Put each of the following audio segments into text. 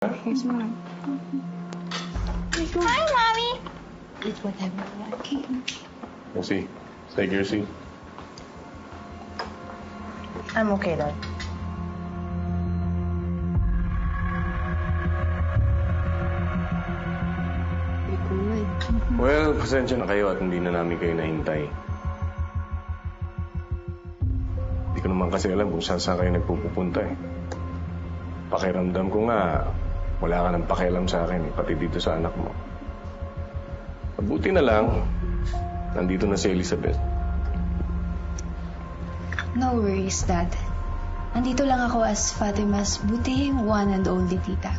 Here's mine. Hi, Mommy! It's whatever you want. Okay. Mercy, take your seat. I'm okay, Dad. Good. Well, pasensya na kayo at hindi na namin kayo nahintay. Hindi ko naman kasi alam kung saan kayo nagpupunta eh. Pakiramdam ko nga, wala ka ng pakialam sa akin, pati dito sa anak mo. Mabuti na lang, nandito na si Elizabeth. No worries, Dad. Nandito lang ako as Fatima's butihing one and only tita.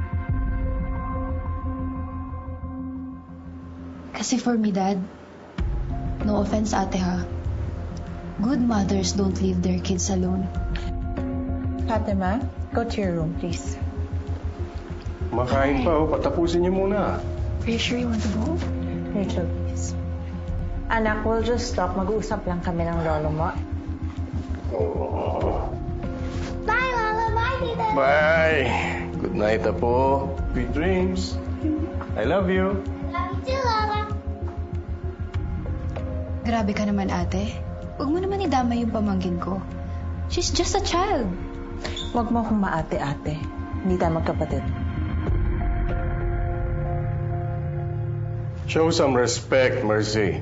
Kasi for me, Dad, no offense, ate ha, good mothers don't leave their kids alone. Fatima, go to your room, please. Makain pa, oh. Patapusin niyo muna. Are you sure you want to go? Rachel, please. Anak, we'll just stop. Mag-uusap lang kami ng lolo mo. Oh. Bye, Lola. Bye, Tita. Bye! Good night, Apo. Sweet dreams. I love you. Love you too, Lola. Grabe ka naman, ate. Huwag mo naman idama yung pamangkin ko. She's just a child. Huwag mo akong maate-ate. Hindi tayo magkapatid. Show some respect, Mercy.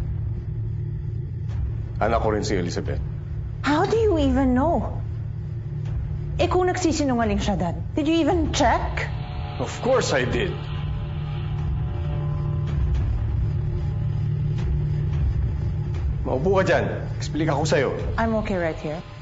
Anak ko rin si Elizabeth. How do you even know? Eh kung nagsisinungaling siya, Dad, did you even check? Of course I did. Maupo ka dyan. Explica ko sa'yo. I'm okay right here.